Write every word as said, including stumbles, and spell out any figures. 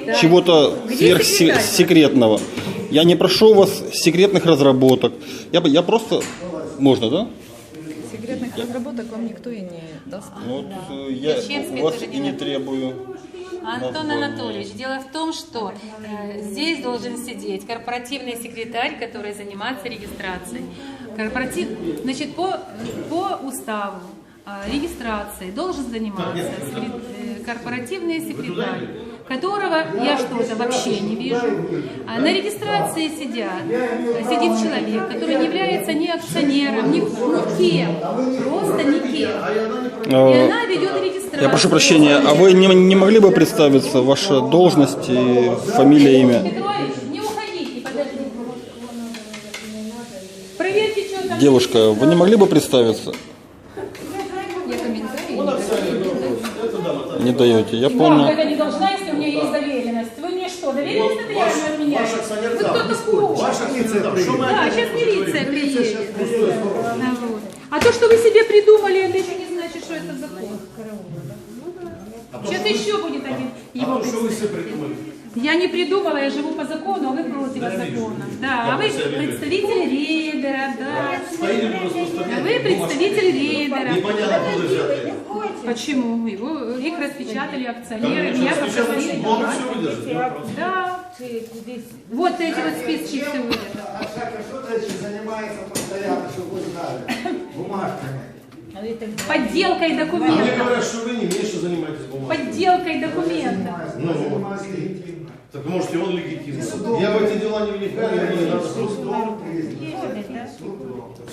чего-то сверхсекретного. Я не прошу у вас секретных разработок. Я, я просто... Можно, да? Секретных разработок вам никто и не даст. Вот, да. Я у вас и не требую. Антон Анатольевич, дело в том, что э, здесь должен сидеть корпоративный секретарь, который занимается регистрацией. Корпоратив, значит, по, по уставу э, регистрации должен заниматься секрет, э, корпоративный секретарь, которого я что-то вообще не вижу. А на регистрации сидят, сидит человек, который не является ни акционером, ни, ни кем, просто никем. И она ведет регистрацию. Я прошу прощения, а вы не, не могли бы представиться, ваша должность, и фамилия, имя? Петрович, не уходите, подождите. Проверьте, что там. Девушка, вы не могли бы представиться? Я комментарии Не даете, я Вам понял. это не должна, если у меня есть доверенность. Вы мне что, доверенность нотариальную отменяете? Вы кто такой? Да, сейчас милиция приедет. Да, вот. А то, что вы себе придумали, это еще не значит, что это закон. Сейчас еще будет один его представитель. Я не придумала, я живу по закону, а вы против закона. Да, а вы представитель рейдера, да. А вы представитель рейдера. Почему? Его, их распечатали акционеры, меня попросили. Да. Вот эти вот списки все выйдут. А Шака что-то занимается постоянно, чтобы вы знали, бумажками. Подделкой Мне документов. говорят, что вы не меньше занимаетесь бумагой. Подделкой документов. Ну, так может и он легитимный. Я в эти дела не вникаю, мне не надо. Суд привезли.